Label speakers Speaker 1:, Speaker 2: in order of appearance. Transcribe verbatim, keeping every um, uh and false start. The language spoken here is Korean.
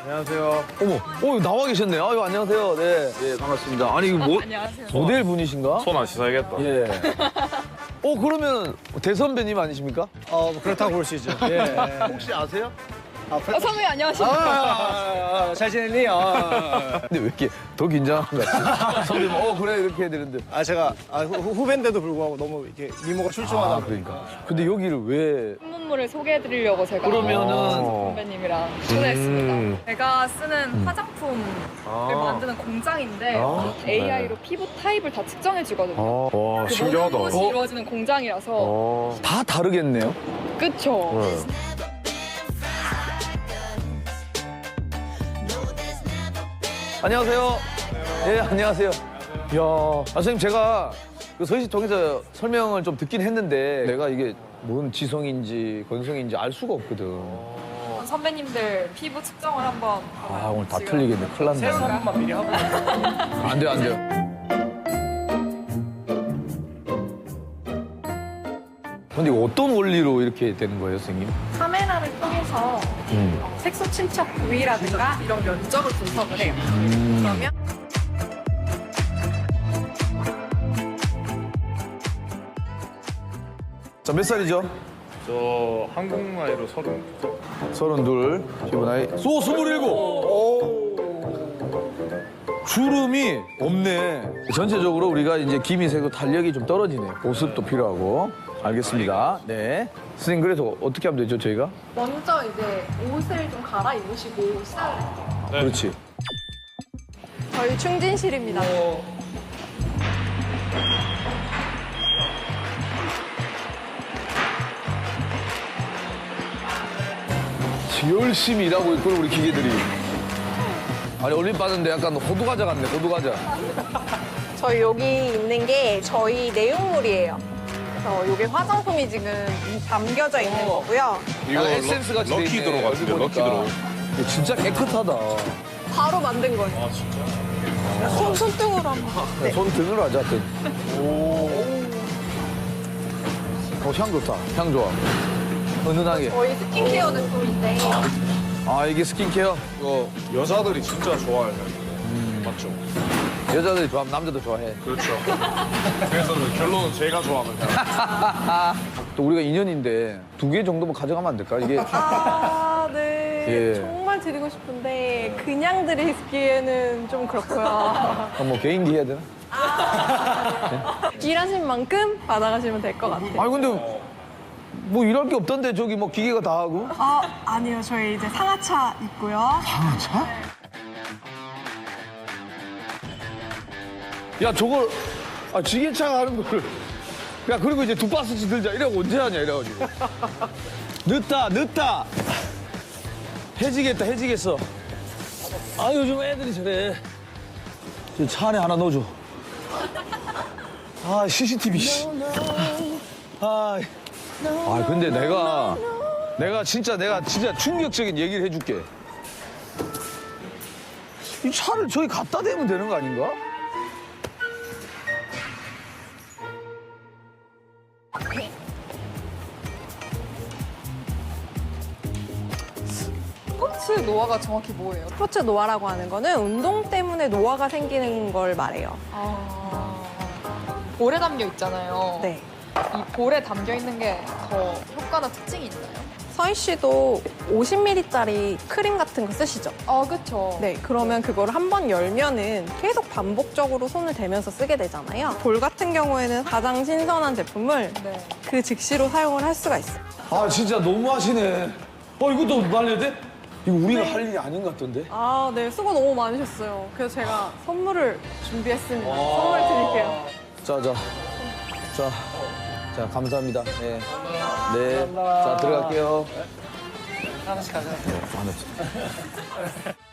Speaker 1: 안녕하세요.
Speaker 2: 어머, 어 나와 계셨네요. 아유, 안녕하세요. 네, 예, 반갑습니다. 아니, 이거 뭐,
Speaker 3: 안녕하세요.
Speaker 2: 모델 분이신가?
Speaker 1: 손 안 씻어야겠다.
Speaker 2: 예. 어, 그러면 대선배님 아니십니까?
Speaker 4: 어, 뭐 그렇다고 볼 수 있죠.
Speaker 2: 예. 혹시 아세요?
Speaker 3: 어, 선배님 안녕하십니까?
Speaker 4: 아, 잘 지냈니? 아,
Speaker 2: 근데 왜 이렇게 더 긴장한 것 같지? 선배님, 어, 그래, 이렇게 해야 되는데.
Speaker 4: 아 제가 아, 후, 후배인데도 불구하고 너무 이렇게 미모가 출중하다.
Speaker 2: 아, 그러니까. 근데 여기를 왜.
Speaker 3: 신문물을 소개해드리려고 제가
Speaker 2: 그러면은.
Speaker 3: 선배님이랑 초대했습니다.
Speaker 1: 음.
Speaker 3: 제가 쓰는 화장품을
Speaker 1: 아.
Speaker 3: 만드는 공장인데
Speaker 1: 아.
Speaker 3: 에이아이로 피부 타입을 다 측정해주거든요.
Speaker 1: 아, 와,
Speaker 3: 그
Speaker 1: 신기하다.
Speaker 3: 모든 것이 이루어지는 공장이라서
Speaker 1: 어.
Speaker 2: 다 다르겠네요?
Speaker 3: 그쵸?
Speaker 1: 네.
Speaker 2: 안녕하세요. 예, 안녕하세요. 이야, 아, 선생님, 제가 그 서희씨 통해서 설명을 좀 듣긴 했는데 내가 이게 뭔 지성인지 건성인지 알 수가 없거든.
Speaker 3: 선배님들 피부 측정을 한번
Speaker 2: 아, 오늘 다
Speaker 3: 지금
Speaker 2: 틀리겠네. 큰일 났네.
Speaker 4: 세수 한 번만 미리 하고.
Speaker 2: 안 돼요, 안 돼요. 근데 이거 어떤 원리로 이렇게 되는 거예요, 선생님?
Speaker 3: 카메라를 통해서
Speaker 2: 음.
Speaker 3: 어, 색소 침착 부위라든가 이런 면적을 분석을 해요. 그러면
Speaker 2: 자, 몇 살이죠?
Speaker 1: 저 한국 나이로 서른.
Speaker 2: 서른둘, 피부 나이. 소, 스물일곱! 오. 주름이 없네. 전체적으로 우리가 이제 기미 세고 탄력이 좀 떨어지네. 보습도 필요하고. 알겠습니다. 네. 선생님, 그래서 어떻게 하면 되죠, 저희가?
Speaker 3: 먼저 이제 옷을 좀 갈아입으시고 시작을 해요.
Speaker 1: 네.
Speaker 2: 그렇지.
Speaker 3: 저희 충진실입니다.
Speaker 2: 열심히 일하고 있고 우리 기계들이. 아니, 올림 빠졌는데 약간 호두과자 같네, 호두과자.
Speaker 5: 저희 여기 있는 게 저희 내용물이에요. 그래서 이게 화장품이 지금 담겨져 있는 거고요.
Speaker 1: 이거
Speaker 2: 약간 에센스 같이 돼
Speaker 1: 럭키
Speaker 2: 있네,
Speaker 1: 드로 같은데,
Speaker 2: 여기
Speaker 1: 럭키
Speaker 2: 보니까.
Speaker 1: 드로.
Speaker 2: 이거 진짜 깨끗하다.
Speaker 5: 바로 만든 거예요.
Speaker 1: 아, 진짜?
Speaker 5: 손, 손등으로 한번. 네.
Speaker 2: 손 등으로 하자, 등. 오. 어, 향 좋다. 향 좋아. 은은하게.
Speaker 5: 저희 스킨케어 제품인데
Speaker 2: 아, 이게 스킨케어?
Speaker 1: 이거 여자들이 진짜 좋아해요. 맞죠?
Speaker 2: 여자들이 좋아하면 남자도 좋아해.
Speaker 1: 그렇죠. 그래서 결론은 제가 좋아하는 사람.
Speaker 2: 또 우리가 인연인데 두 개 정도만 가져가면 안 될까? 이게.
Speaker 5: 아, 네.
Speaker 2: 예.
Speaker 5: 정말 드리고 싶은데 그냥 드리기에는 좀 그렇고요.
Speaker 2: 아, 뭐 개인기 해야 되나?
Speaker 5: 일하신 만큼 받아가시면 될 것 같아요.
Speaker 2: 아니, 근데 뭐 일할 게 없던데 저기 뭐 기계가 다 하고.
Speaker 5: 아, 아니요. 저희 이제 상하차 있고요.
Speaker 2: 상하차? 야, 저걸, 아, 지게차가 하는 거를. 야, 그리고 이제 두 바스씩 들자. 이래고 언제 하냐, 이래가지고. 늦다, 늦다. 해지겠다, 해지겠어. 아, 요즘 애들이 저래. 저 차 안에 하나 넣어줘. 아, 씨씨티비, 씨. 아, 아, 근데 내가, 내가 진짜, 내가 진짜 충격적인 얘기를 해줄게. 이 차를 저기 갖다 대면 되는 거 아닌가?
Speaker 3: 스포츠 노화가 정확히 뭐예요?
Speaker 5: 스포츠 노화라고 하는 거는 운동 때문에 노화가 생기는 걸 말해요.
Speaker 3: 아, 볼에 담겨 있잖아요.
Speaker 5: 네.
Speaker 3: 이 볼에 담겨 있는 게 더 효과나 특징이 있나요?
Speaker 5: 서희 씨도 오십 밀리리터짜리 크림 같은 거 쓰시죠?
Speaker 3: 아, 그쵸.
Speaker 5: 네, 그러면 그거를 한 번 열면은 계속 반복적으로 손을 대면서 쓰게 되잖아요. 볼 같은 경우에는 가장 신선한 제품을
Speaker 3: 네.
Speaker 5: 그 즉시로 사용을 할 수가 있어요.
Speaker 2: 아, 진짜 너무하시네. 어, 이것도 말려야 돼? 이거 우리가 할 일이 아닌 것 같던데?
Speaker 5: 아, 네, 수고 너무 많으셨어요. 그래서 제가 선물을 준비했습니다. 선물 드릴게요.
Speaker 2: 자, 자. 자. 자, 감사합니다. 네. 네. 자, 들어갈게요.
Speaker 4: 하나씩 가자.
Speaker 2: 하나씩.